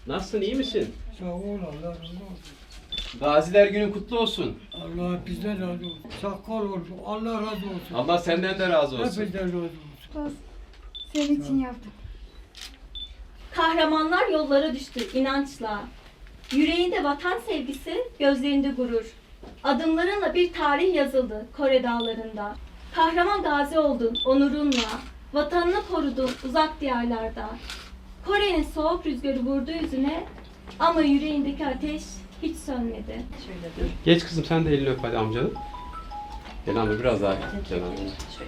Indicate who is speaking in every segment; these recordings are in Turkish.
Speaker 1: Nasılsın, iyi misin?
Speaker 2: Sağ ol, Allah razı olsun.
Speaker 1: Gaziler Günü kutlu olsun.
Speaker 2: Allah bizden razı olsun. Sakal olsun, Allah razı olsun.
Speaker 1: Allah senden de razı olsun.
Speaker 2: Hepinizden razı olsun.
Speaker 3: Olsun. Senin için yaptım.
Speaker 4: Kahramanlar yollara düştü inançla. Yüreğinde vatan sevgisi, gözlerinde gurur. Adımlarınla bir tarih yazıldı Kore dağlarında. Kahraman gazi oldun onurunla. Vatanını korudun uzak diyarlarda. Kore'nin soğuk rüzgarı vurdu yüzüne ama yüreğindeki ateş hiç sönmedi.
Speaker 1: Geç kızım, sen de elini öp hadi amcanın. Gel amca biraz daha gel amca.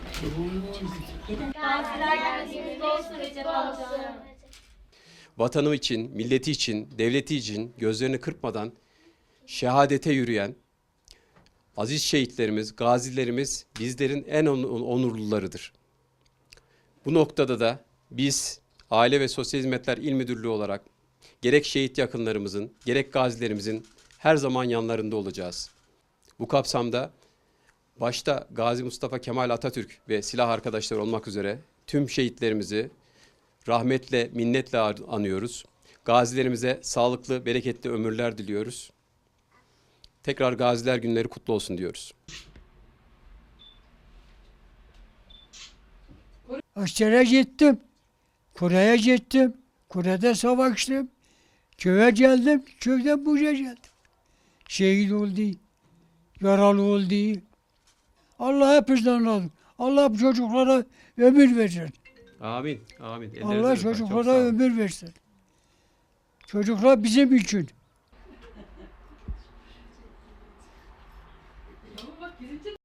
Speaker 4: Gaziler gözümüzde olsun Recep amca.
Speaker 1: Vatanı için, milleti için, devleti için gözlerini kırpmadan şehadete yürüyen aziz şehitlerimiz, gazilerimiz bizlerin en onurlularıdır. Bu noktada da biz Aile ve Sosyal Hizmetler İl Müdürlüğü olarak gerek şehit yakınlarımızın, gerek gazilerimizin her zaman yanlarında olacağız. Bu kapsamda başta Gazi Mustafa Kemal Atatürk ve silah arkadaşları olmak üzere tüm şehitlerimizi rahmetle, minnetle anıyoruz. Gazilerimize sağlıklı, bereketli ömürler diliyoruz. Tekrar Gaziler Günleri kutlu olsun diyoruz.
Speaker 2: Askere gittim. Kore'ye gittim. Kore'de savaştım. Köye geldim. Köyden buraya geldim. Şehit oldu. Yaralı oldu. Allah hepinizden razı olsun. Allah bu çocuklara ömür versin.
Speaker 1: Amin, amin. Ellerinizden
Speaker 2: Allah
Speaker 1: öper. Çok
Speaker 2: çocuklara
Speaker 1: sağ olun.
Speaker 2: ömür versin. Çocuklar bizim için.